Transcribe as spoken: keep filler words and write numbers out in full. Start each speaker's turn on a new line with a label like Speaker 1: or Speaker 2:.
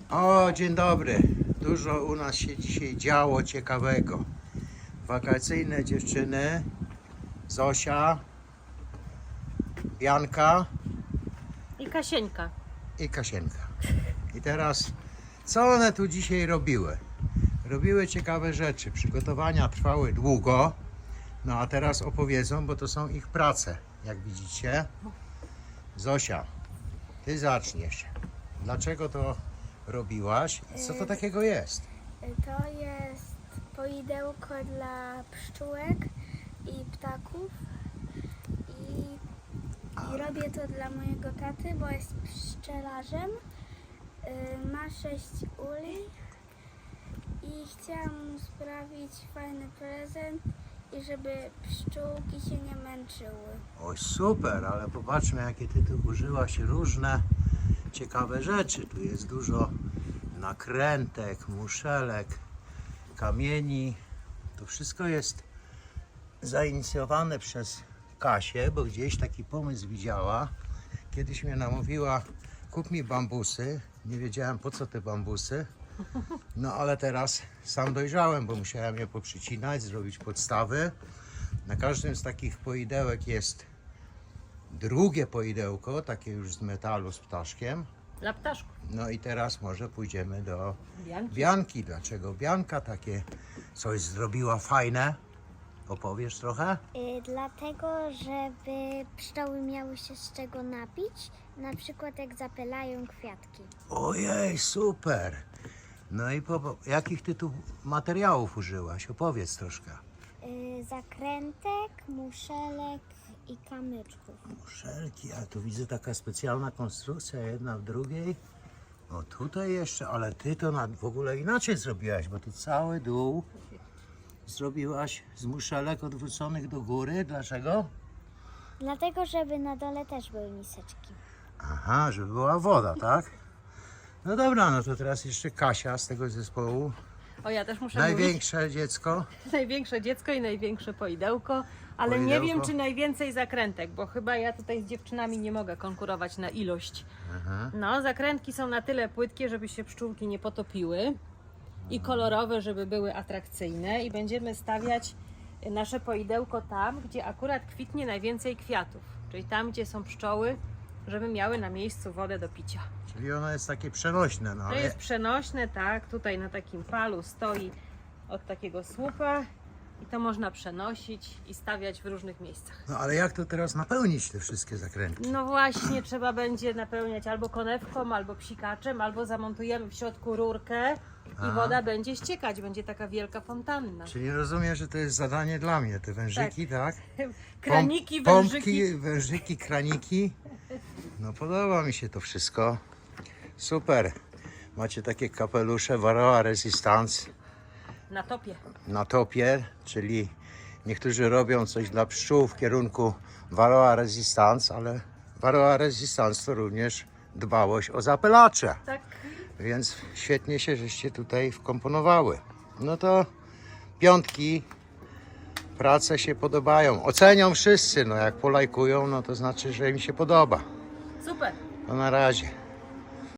Speaker 1: O, dzień dobry. Dużo u nas się dzisiaj działo ciekawego. Wakacyjne dziewczyny, Zosia, Bianka
Speaker 2: I Kasieńka.
Speaker 1: i Kasienka. I teraz, co one tu dzisiaj robiły? Robiły ciekawe rzeczy. Przygotowania trwały długo. No a teraz opowiedzą, bo to są ich prace, jak widzicie. Zosia, ty zaczniesz. Dlaczego to robiłaś? Co to takiego jest?
Speaker 3: To jest poidełko dla pszczółek i ptaków i, i robię to dla mojego taty, bo jest pszczelarzem. Y, Ma sześć uli i chciałam mu sprawić fajny prezent i żeby pszczółki się nie męczyły.
Speaker 1: Oj, super, ale popatrzmy, jakie ty tu użyłaś różne ciekawe rzeczy. Tu jest dużo nakrętek, muszelek, kamieni. To wszystko jest zainicjowane przez Kasię, bo gdzieś taki pomysł widziała. Kiedyś mnie namówiła, kup mi bambusy. Nie wiedziałem, po co te bambusy. No ale teraz sam dojrzałem, bo musiałem je poprzycinać, zrobić podstawy. Na każdym z takich poidełek jest drugie poidełko, takie już z metalu z ptaszkiem.
Speaker 2: Dla ptaszków.
Speaker 1: No i teraz może pójdziemy do
Speaker 2: Bianki.
Speaker 1: Bianki. Dlaczego Bianka takie coś zrobiła fajne? Opowiesz trochę?
Speaker 3: Y, dlatego, żeby pszczoły miały się z czego napić, na przykład jak zapylają kwiatki.
Speaker 1: Ojej, super! No i po, po, jakich ty tu materiałów użyłaś? Opowiedz troszkę.
Speaker 3: Y, zakrętek, muszelek i kamyczków.
Speaker 1: Muszelki, a tu widzę taka specjalna konstrukcja, jedna w drugiej. O tutaj jeszcze, ale ty to na, w ogóle inaczej zrobiłaś, bo tu cały dół zrobiłaś z muszelek odwróconych do góry. Dlaczego?
Speaker 3: Dlatego, żeby na dole też były miseczki.
Speaker 1: Aha, żeby była woda, tak? No dobra, no to teraz jeszcze Kasia z tego zespołu.
Speaker 2: O, ja też muszę mówić.
Speaker 1: Największe dziecko.
Speaker 2: Największe dziecko i największe poidełko, ale nie
Speaker 1: Poidełko.
Speaker 2: wiem, czy najwięcej zakrętek, bo chyba ja tutaj z dziewczynami nie mogę konkurować na ilość.
Speaker 1: Aha.
Speaker 2: No, zakrętki są na tyle płytkie, żeby się pszczółki nie potopiły i kolorowe, żeby były atrakcyjne i będziemy stawiać nasze poidełko tam, gdzie akurat kwitnie najwięcej kwiatów, czyli tam, gdzie są pszczoły, żeby miały na miejscu wodę do picia.
Speaker 1: Czyli ono jest takie przenośne, no
Speaker 2: To
Speaker 1: ale
Speaker 2: jest przenośne, tak, tutaj na takim palu stoi od takiego słupa i to można przenosić i stawiać w różnych miejscach.
Speaker 1: No ale jak to teraz napełnić te wszystkie zakrętki?
Speaker 2: No właśnie, trzeba będzie napełniać albo konewką, albo psikaczem, albo zamontujemy w środku rurkę i
Speaker 1: Aha.
Speaker 2: woda będzie ściekać, będzie taka wielka fontanna.
Speaker 1: Czyli rozumiem, że to jest zadanie dla mnie, te wężyki, tak?
Speaker 2: Kraniki,
Speaker 1: Pom-
Speaker 2: wężyki.
Speaker 1: Pompki, wężyki, kraniki. No podoba mi się to wszystko. Super. Macie takie kapelusze Varroa Resistance
Speaker 2: Na topie.
Speaker 1: na topie, czyli niektórzy robią coś dla pszczół w kierunku Varroa Resistance, ale Varroa Resistance to również dbałość o zapylacze.
Speaker 2: Tak.
Speaker 1: Więc świetnie się żeście tutaj wkomponowały. No to piątki, prace się podobają. Ocenią wszyscy, no jak polajkują, no to znaczy, że im się podoba.
Speaker 2: Super.
Speaker 1: To na razie.